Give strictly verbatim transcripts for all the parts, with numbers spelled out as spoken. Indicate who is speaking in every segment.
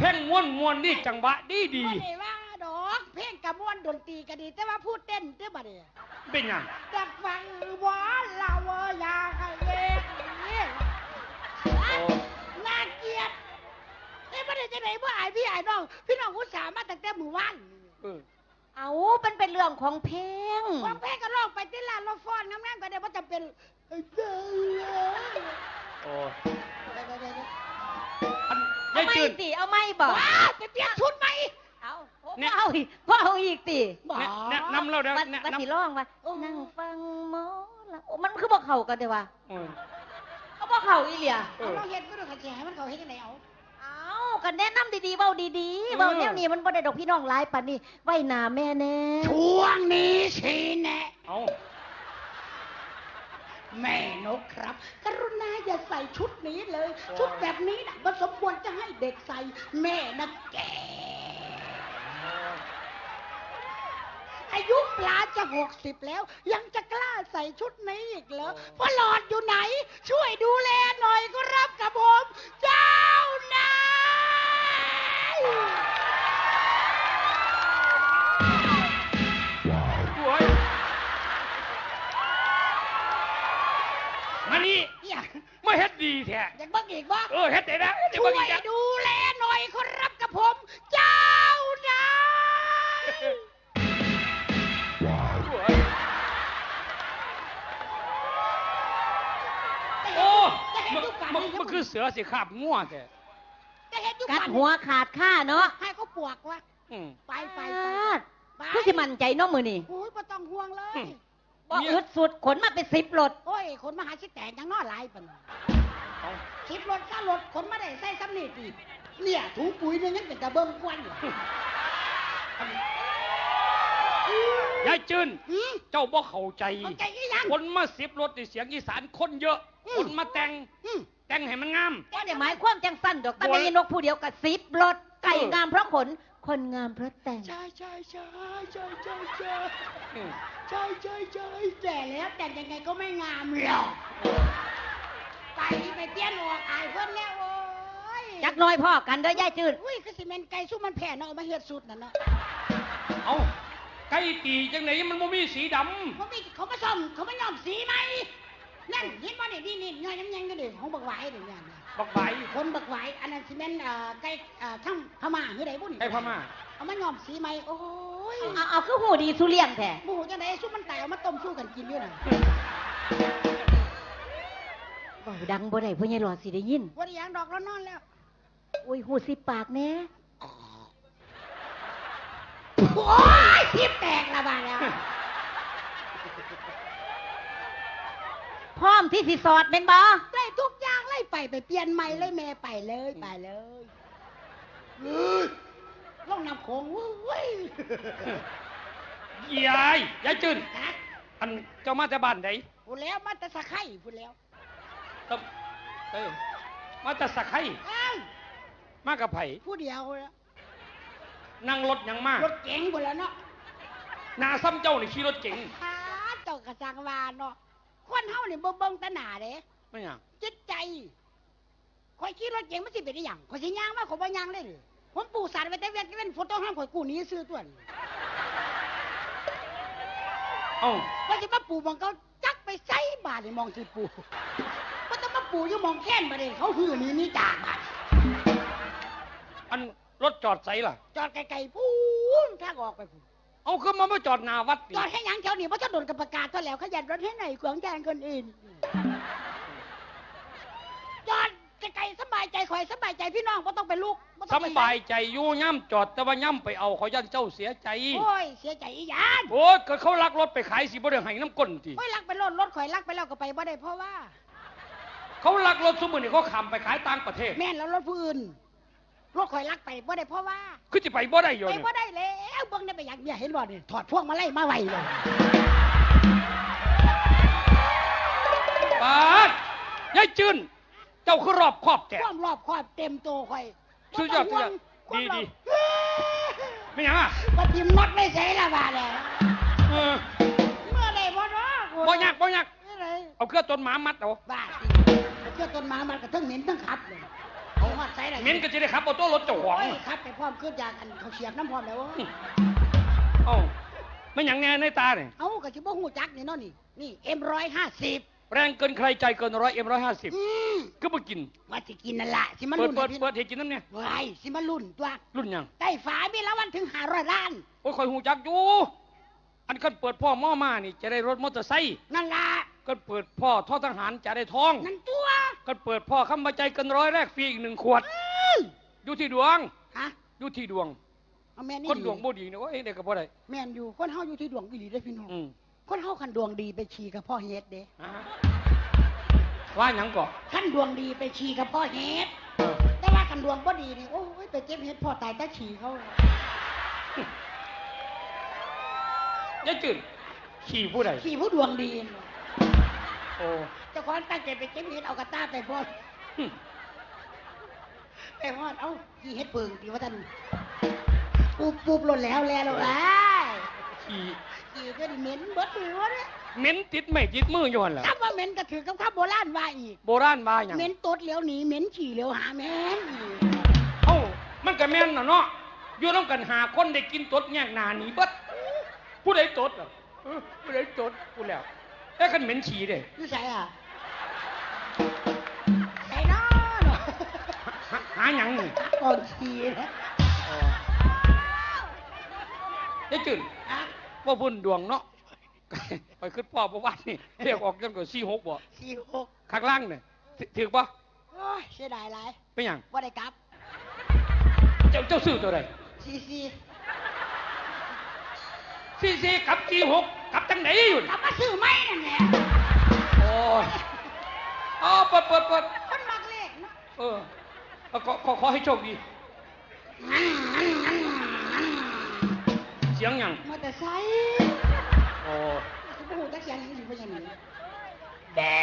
Speaker 1: พ่งม้วนม้วนนี่จังหวะดีดี
Speaker 2: ไม่ได้ว่าดอกเพลงกระม้วนดนตรีก็ดีแต่ว่าพูดเต้นเต้นบ่ได้
Speaker 1: เป็นยัง
Speaker 2: จะฟังว่าเราอยากเล่นนี่น่าเกลียดไอ้บ่ได้จะไหนบ่อายพี่อายน้องพี่น้องอุตส่าห์มาตั้งแต่มื้อวาน
Speaker 3: เอามันเป็นเรื่องของเพลง
Speaker 2: ของเพลงก็ร้องไปที่ลานรถฟ้อนงามๆก็ได้บ่จำเป็น
Speaker 1: โอ้
Speaker 3: เอาไม่ติเอาไม่บอก
Speaker 2: ไปเปลี่ยนชุดไหม
Speaker 3: เอาพ่อเอาอีกพ่อเอาอีกติ
Speaker 1: แนะนำเราเดี๋ยว
Speaker 3: มันสิร้องว่านั่งฟังหมอละมันคือบอกเขากันเดี๋ยวว่าเขาบอกเขาอีเหลี่ย
Speaker 2: เราเห็นก็ต้องขัดแย้งมันเขาเห็นยังไงเอา
Speaker 3: เอากันแนะนำดีๆเบาดีๆเบาแนวนี้มันบ่ได้ดอกพี่น้องหลายปานนี้ไว้หน้าแม่แน่
Speaker 2: ช่วงนี้สิแน่
Speaker 1: เอา
Speaker 2: แม่นกครับกรุณาอย่าใส่ชุดนี้เลยชุดแบบนี้น่ะมันสมควรจะให้เด็กใส่แม่นะแกอายุปลาจะหกสิบแล้วยังจะกล้าใส่ชุดนี้อีกเหรอพ่อหลอดอยู่ไหนช่วยดูแลหน่อยก็รับกับผมเจ้านาย
Speaker 1: มานี่ไม่เฮ็ดดีแท้
Speaker 2: อยากบ้างอีกบ้าง
Speaker 1: เออเฮ็ดได้นะ
Speaker 2: ช่วยดูแลหน่อยก็รับกับผมเจ้านาย
Speaker 1: โอ้มันคือเสือสิขาบง่วงแต่
Speaker 3: กัดหัวขาดข้าเนาะ
Speaker 2: ให้เขาปวกวะไปไป
Speaker 3: ไปคือสิมั่นใจน้องมือนี่
Speaker 2: โอ้ยไม่ต้องห่วงเลย
Speaker 3: บอกอึดสุดขนมาเป็นสิบรถ
Speaker 2: โอ้ยขนมาหาชิแตกยังนอหลายปันสิบรถก้ารถขนมาได้ใส่ซ้ำนี่ตีเนี่ยถุงปุ๋ยเนี่ยยังเป็นกระเบื้องกวนอยู่
Speaker 1: ยายจืนเจ้าบ่เข้าใจคนมาสิบรถเสียงอีสานคนเยอะคนมาแต่งแต่งให้มันงาม
Speaker 3: ก็เดี๋ยวหมายความจังสั้นดอกแต่ไม่นกผู้เดียวกับสิบรถไก่งามเพราะขนคนงามเพราะแต่ง
Speaker 2: ใช่ใช่ใช่ใช่ใช่ใช่ใช่ใช่ใช่แต่แล้วแต่ยังไงก็ไม่งามหรอกไปไปเตี้ยนออกอายเพิ่นแล้วโอ้ย
Speaker 3: จักน้อยพ่อกันเด้อยายจืด
Speaker 2: อุ้ยคือสิเมนไก่สู้มันแผ่เนาะมาเฮ็ดสุดนั่นเนาะ
Speaker 1: เอาไก่ตีจังไหนมันบ่มีสีดำ
Speaker 2: เขาไม่เขามาซ่อมเขาไม่ยอมสีไหมนั่นเห็นว่าเนี่ยนี่นี่ย่อยน้ำยังก็เด็กของบักไหวเด็กเนี่ย
Speaker 1: บักไหว
Speaker 2: คนบักไหวอันนั้นซีเมนต์ไก่ข้างพม่าหรือไหนบุญ
Speaker 1: ไก่พม่า
Speaker 2: เอามายอมสีไหมโอ้ย
Speaker 3: เอาเอาคือหูดีสุเลียงแท้
Speaker 2: หูจังไหนสู้มันแตกเอามาต้มสู้กันกินด้วยน่ะ
Speaker 3: บ่ดังบ่ได้เพื่อนยายหลอดสิได้ยิน
Speaker 2: ว่าได้ยังดอกแล้วนอนแล้ว
Speaker 3: โอ้ยหูสิปากแน่
Speaker 2: โอ้ยทิพแตกละบาดแล้ว
Speaker 3: พร้อมที่สิสอดเป็นบ่
Speaker 2: ไล่ทุกอย่างไล่ไปไปเปลี่ยนใหม่ไล่แม่ไปเลยไปเลยล่องนำโขงเว้ย
Speaker 1: ยายยายจืนอันเจ้ามาจากบ้านไหน
Speaker 2: พูดแล้วมาจากสะไข่พูดแล้ว
Speaker 1: ต้องเอ้ยมาจากสะไข่มากับไผ่
Speaker 2: ผู้เดียวแล้ว
Speaker 1: นั่งรถยังมาก
Speaker 2: รถเก๋งหมดแล้วเนาะ
Speaker 1: นาซ้ำเจ้าในขี่รถเก๋ง
Speaker 2: ฮ่าเจ้ากระซังวานเนาะคนเฮาเนี่ยบ่เบิ่งตาหน้าเด้
Speaker 1: ไม่หยัง
Speaker 2: จิตใจคอยขี่รถเก๋งมันสิเป็นได้หยังคอยสิย่างมาขอยบ่ย่างเลยผมปู่สารไว้แต่เวียนเว้นฝนตกห้ามข่อยกู้หนีซื้อตัวนี้
Speaker 1: เอ้า
Speaker 2: ว่าสิมาปู่มองเขาจักไปไสบาดนี่มองที่ปู่ว่าต้องมาปู่อยู่มองแค้นบ่ได้เขาหื้อนี่นี่จากบาด
Speaker 1: อันรถจอดไสล่ะ
Speaker 2: จอดไกลๆพูนทางออกไปพูน
Speaker 1: เอาคือมาไม่จอดหน้าวัด
Speaker 2: จอดให้ยังแถวนี้เพราะถนนกับประกาศก็แล้วขยันรถให้ไหนขวางแกงคนอื่นจอดไกลๆสบายใจคอยสบายใจพี่น้องเพราะต้องเป็นลูก
Speaker 1: สบายใจอยู่ย่ำจอดแต่ว่าย่ำไปเอาเขายันเจ้าเสียใจ
Speaker 2: โอ้ยเสียใจอีหยัง
Speaker 1: โอ้ยเกิดเขาลักรถไปขายสิบ่ได้ให้น้ำก้นที
Speaker 2: โอ้ยลักไปรถรถข่อยลักไปแล้วก็ไปบ่ได้เพราะว่า
Speaker 1: เขาลักรถสมุนนี่เขาขับไปขายต่างประเทศ
Speaker 2: แม่นแล้วรถผู้อื่นรถข่อยลักไปบ่ได้เพราะว่า
Speaker 1: คือจะไปบ่ได้อยู่
Speaker 2: ไปบ่ได้แล้วเบิ่งได้ไปอยากเมียเห็นบ่นี่ถอดพวกมาไล่มาไว้เลย
Speaker 1: ปาดยายจืนเจ้าคือรอบครอบแก่
Speaker 2: ความรอบครอบเต็มโตข่อย
Speaker 1: สุดยอดสุดยอดดีดีไม่ยังอ่ะ
Speaker 2: ปฏิมดไม่ใช่ละบาดเลยเมื่อไรบ่เนาะ
Speaker 1: บ่ยักบ่ยักเอาเครื่องต้นหมามัดเอา
Speaker 2: บ้าเครื่องต้นหมามัดกับทั้งเหม็นทั้งขับเลยเอาหัดใส่ไหน
Speaker 1: เหม็นก็จะได้ขับเอาตัวรถเจ้าของ
Speaker 2: โอ้ยครับไปพร้อมขึ้นยากันเขาเสียบน้ำพร้อมแล้ว
Speaker 1: เอ้าไม่หยังแน่ในตาเนี่ย
Speaker 2: เอ้าก็ชิบ่หูจักนี่เนาะนี่นี่เอ็มร้อยห้าสิบ
Speaker 1: แรงเกินใครใจเกินร้อยเอ็มร้อยห้าสิบก็มากิน
Speaker 2: ว่าสิกินนั่นละสิมา
Speaker 1: เปิด
Speaker 2: รุ่น
Speaker 1: เปิด
Speaker 2: ให้พี่
Speaker 1: เปิดเห็ดกินน้ำเนี่ย
Speaker 2: ไว้สิมารุ่นตัว
Speaker 1: รุ่นหยัง
Speaker 2: ได้ฝามีละวันถึงห้าร้อยล้าน
Speaker 1: โอ้ยคอยหูจักอยู่อันกันเปิดพ่อหม้อมานี่จะได้รถมอเตอร์ไซค์
Speaker 2: นั่นละ
Speaker 1: ก็เปิดพ่อทอทหารจะได้ทอง
Speaker 2: นั่นตัว
Speaker 1: ก็เปิดพ่อคำบาใจเกินร้อยแรกฟรีอีกหนึ่งขวด
Speaker 2: อื้อ
Speaker 1: อยู่ที่ดวง
Speaker 2: ฮะ
Speaker 1: อยู่ที่ดวง
Speaker 2: เอาแม่นี่
Speaker 1: คนดวงบ่ดีนะว่าเอ้ยเด็กกับบ่ได้
Speaker 2: แม่นอยู่คนเฮาอยู่ที่ดวงอีหลีได้อพี่น้อง
Speaker 1: อืม
Speaker 2: คนเฮาคันดวงดีไปฉี่กับพ่อเฮ็ดเด้
Speaker 1: อ่าว่าหยังก่อ
Speaker 2: คันดวงดีไปฉี่กับพ่อเฮ็ด
Speaker 1: เออ
Speaker 2: แต่ว่าคันดวงบ่ดีนี่โอ้ยไปเก็บเฮ็ดพ่อตายแต่ฉี่เขา
Speaker 1: ยายจืดขี่ผู้ใด
Speaker 2: ฉี่ผู้ดวงดีนี่
Speaker 1: โอ้
Speaker 2: เจ้าของตั้งใจไปเก็บเฮ็ดเอากระต้าไปพ่อ
Speaker 1: หึ
Speaker 2: ไปฮอดเอ้าขี่เฮ็ดเปิงตีว่าท่านปูบปูบหล่นแล้วแล้วแล้วอ้าย
Speaker 1: ขี่
Speaker 2: ขี่ก็ดิเหม็นเบิดมือวะเนี่ย
Speaker 1: เหม็นติดไม่ติดมืออยู่หั่นล่ะ
Speaker 2: คำว่าเหม็นก็ถือกับคำโบราณว่าอีก
Speaker 1: โบราณว่าหยัง
Speaker 2: เหม็นตดเหลียวหนีเหม็นฉี่เหลียวหาแม่นอีก
Speaker 1: เอ้ามันก็แม่นน่ะเนาะอยู่นำกันหาคนได้กินตดแยกหน้าหนีเบิดผู้ใดตดอ่ะเออผู้ใดตดกูแล้วแต่คันเหม็นฉี่เด้
Speaker 2: นี่ใส่อ่ะใส่น้อเนาะ
Speaker 1: หาหาหยังนี่
Speaker 2: ก่อนฉี่นะ
Speaker 1: อ๋อยายจืด
Speaker 2: อ่ะ
Speaker 1: ว่าบุญดวงเนาะ ไปขึ้นพ่อประวัตินี่เรียกออกจนกว่าสี่หกบ่
Speaker 2: สี่หก
Speaker 1: ข้างล่างเนี่ยถือปะ
Speaker 2: โอ้ยเสียดายหลาย
Speaker 1: เป็นหยัง
Speaker 2: ว่าได้กลับ
Speaker 1: เจ้าเจ้าซื้อตัวใด
Speaker 2: สี่สี่
Speaker 1: สี่สี่กับสี่หกกับจังไหนอยู่
Speaker 2: กลับมาซื้อไหมนั่นแหละ
Speaker 1: โอ้ยอ๋อเปิดเปิดเปิด
Speaker 2: คนมักเลขเนาะ
Speaker 1: เออเอาขอขอขอให้โชคดี เสียงหยัง
Speaker 2: มอเตอร์ไซค์
Speaker 1: โอ้
Speaker 2: สิบ่ฮู้จักเสียงหยังสิบ่ยังไง
Speaker 1: แบะ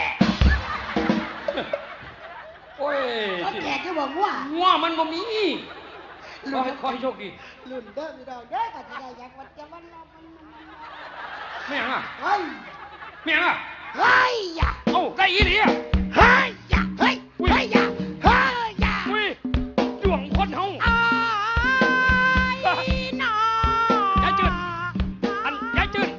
Speaker 1: โอ้ย
Speaker 2: เขาแจกก็บอกว่า
Speaker 1: งัวมันบ่มีขอให้ขอให้โชคดี
Speaker 2: ลุ่นเด้อพี่ดอกเด้อก็สิได้อยากวัดจะวันรอมันมันมัน
Speaker 1: ไม่หยังอ่ะ
Speaker 2: เฮ้ย
Speaker 1: ไม่หยังอ่ะ
Speaker 2: เฮ้ยอย่า
Speaker 1: เอ้าได้อีหลีอ่ะ
Speaker 2: เฮ้ยอย่าเฮ้ยเฮ้ยอย่าเฮ้ยอย่า
Speaker 1: อุ้ยดวงคนเฮา
Speaker 2: อ้ายน้อย
Speaker 1: ายจืดอันยายจืด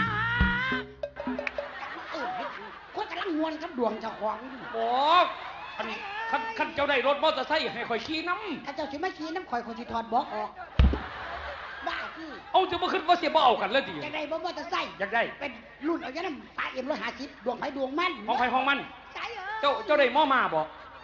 Speaker 2: เออคนกำลังมวนกับดวงเจ้าของอยู่
Speaker 1: บอกอันคันคันเจ้าได้รถมอเตอร์ไซค์ให้ข่อยขี่น้
Speaker 2: ถ้าเจ้าสิมาขี่น้ำข่อยคนสิถอดบอกออกบ้าที่
Speaker 1: ำเอาจะมาขึ้นว่าเสียบ่เอากันเลยดิ
Speaker 2: จะได้บ่มอเตอร์ไซค์
Speaker 1: อยากได้
Speaker 2: เป็นรุ่นเอาอย่างนั้นปลาเอ็มร้อยห้าสิบดวงไฟดวงมัน
Speaker 1: ห้องใครห้องมัน
Speaker 2: ใช่เออ
Speaker 1: เจ้าเจ้าได้หม้อมาบ่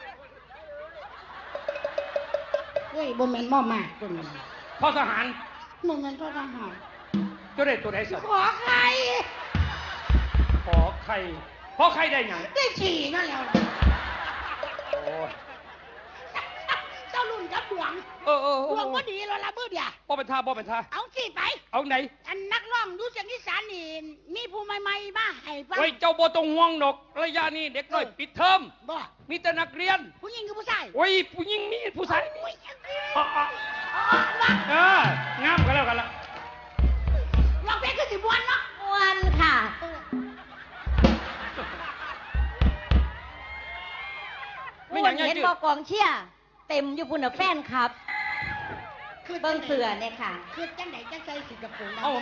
Speaker 2: เฮ้ยบ่แม่นหม้อมากตัวนี้
Speaker 1: พ่อทหาร
Speaker 2: บ่แม่นตัวทหาร
Speaker 1: เจ้าได้ตัวไหนสัก
Speaker 2: ขอใคร
Speaker 1: ขอใครขอใครได้หยัง
Speaker 2: ได้ฉี่นั่นแล้ว
Speaker 1: โอ้ย
Speaker 2: เจ้ารุ่นกับดวง
Speaker 1: เออเออเอ
Speaker 2: ดวง
Speaker 1: อ
Speaker 2: บ่ดีแล้วล่ะมือเดียว
Speaker 1: บ่เป็นท่าบ่เป็นท่า
Speaker 2: เอาสิไป
Speaker 1: เอาไหน
Speaker 2: อันนักร้องดูเสียงอีสานนี่มีผู้ใหม่ๆมาให้ฟัง
Speaker 1: ไว้เจ้าบ่ต้องห่วงดอกระยะนี้เด็กน้อยปิดเทอม
Speaker 2: บ่
Speaker 1: มีแต่นักเรียน
Speaker 2: ผู้หญิงคือผู้ชาย
Speaker 1: โอ้ยผู้หญิงมีผู้ชายมี
Speaker 2: โอ้ย
Speaker 1: อ๋ออ๋อ
Speaker 2: อ๋อว่า
Speaker 1: เอองามกันแล้วกันละ
Speaker 2: ร้องเพลงคือสิบวนเนาะ
Speaker 3: อ้วนค่ะ
Speaker 2: เออ
Speaker 1: ไม่
Speaker 3: อ้
Speaker 1: อ
Speaker 3: ว
Speaker 1: ย่าน งนี้
Speaker 3: เห็น
Speaker 1: จื
Speaker 3: บ
Speaker 1: ด
Speaker 3: อกกองเชียร์เต็มอยู่พุ่นน่ะแฟนครับ
Speaker 2: คือ
Speaker 3: เบิ่งเสือเนี่ยค่ะ
Speaker 2: คือจังไหนจังใจสิกับผมนะ
Speaker 1: เอ้า